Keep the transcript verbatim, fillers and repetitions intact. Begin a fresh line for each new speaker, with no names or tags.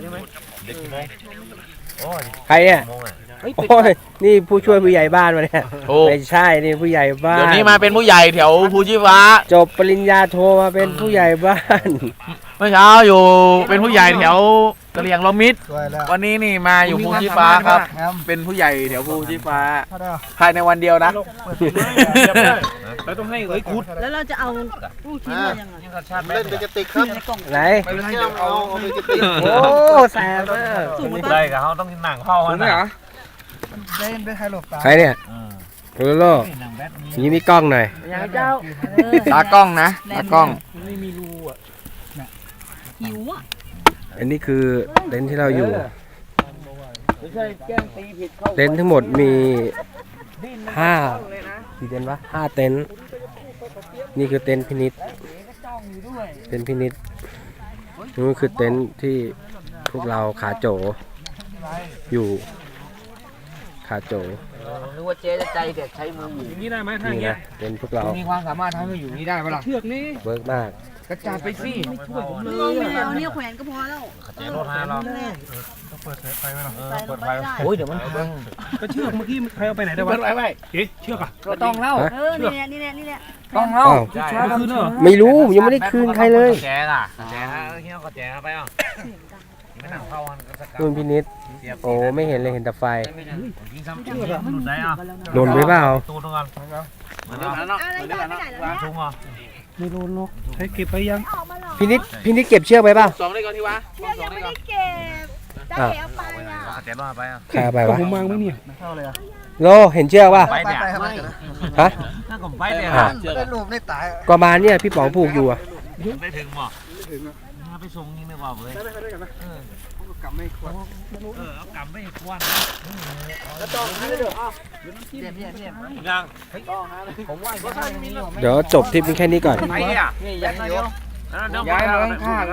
ใช่ไหม
เด็กกี่โมงโอ้ย
ใครเนี่ยโอ้ยนี่ผู้ช่วยผู้ใหญ่บ้านมาเนี่ยไม่ใช่นี่ผู้ใหญ่บ้าน
เดี๋ยวนี้มาเป็นผู้ใหญ่แถวภูชีฟ้า
จบปริญญาโทมาเป็นผู้ใหญ่บ้าน
เมื่อเช้าอยู่เป็นผู้ใหญ่แถวกะเหรี่ยงลมิตรวันนี้นี่มาอยู่ภูชีฟ้าครับเป็นผู้ใหญ่แถวภูชีฟ้าภายในวันเดียวนะเราต้องให้เอ้ยคุด
แล้วเราจะเอาลูกชิ้นมายังไง
เล่นเป็นกระติกครับ
ไหน
ไม่เป็นไรเดี๋ยวเอาเอาเป็นกระติก
โอ้แสบมาก
สูงไหม
ได้กับเขาต้องหนังเข้า
ถูกไหมเหรอ
ใครเนี่ยโรโลนี่มีกล้องหน่อย
ยังเจ้า
ตากล้องนะตากล้อง
หิวอ่ะ
อันนี้คือเต็นท์ที่เราอยู่เต็นท์ทั้งหมดมีห้ากี่เต็นท์วะห้าเต็นท์นี่คือเต็นท์พินิจเต็นท์พินิจนี่คือเต็นท์ที่พวกเราขาโจอยู่ขาโจ
นึกว่าเจ๊จะใจเด็ดใช้มืออยู่นี่ได้ไหมถ้าอย่างเงี้ย
เต็นท์พวกเรา
มีความสามารถทำให้อยู่นี่ได้ปะล่ะเชือกนี้
เวิร์กมาก
กระจาดไปสิไม่ช่วยผมเล
เรา
ย
ไม่เอาเนี่ยแขวนก็พอแล้ว
เจ๊รถให้เรา
นั่นแหละ
เปิดไฟไหมล่ะ
ใส่ลงไปได้
โอ้ยเดี๋ยวมันพัง
ก็เชือกเมื่อกี้ใครเอาไปไหนได้
เปิ
วะ
ดไว้ไว้
เอ๊ะเชือกอ่ะ
ก็ต้องเล่า
เออนี่แหละนี่แหละนี่แหละ
ต้องเล่า
อ้าว
เอาคืนเหรอ
ไม่รู้ยังไม่ได้คืนใครเลย
แจ๊ล่ะแจ๊เฮียก็แจ๊ไปอ่ะไม่หนังเข้าอันก็สกัด
นู่นพินิจโอ้ไม่เห็นเลยเห็นแต่ไฟ
ยิงซ้ำเชือกหลุดได้อ่ะ
หล่นไปเปล่า
ตูนกันเหมือนกันเนาะ
อะไรได้ไม่ได้แล้วเนี่ย
ทุ่งอ่ะ
ไม่รู้นกใช้เก็บไปยัง
พินิจพินิจเก็บเชือกไปเปล่า
สองได้ก่อนที่วะ
เชือกยังไม่ได้เก็บได้เอาไปอ่ะ
แจ๊รอดไปอ่ะ
ใครเอาไป
ก็
วะ
ผมมังไหมเนี่ย
โลเห็นเชือกป่ะ
ไปเนี่ย
ฮะ
ถ้าผมไปเนี่ย
อ่ะ
ได้รูปได้ตาย
ประมาณเนี่ยพี่ป๋องผูกอยู่อะ
ได้ถึงหมอไปส่งยิงดีกว่าเลยเออเอากำไม่ควนยัง
เดี๋ยวจบทริปนี้แค่นี้ก่อน
ไปอ่ะ
นี่ยันเดียว
เดี๋ยว
ย้ายมาข้าง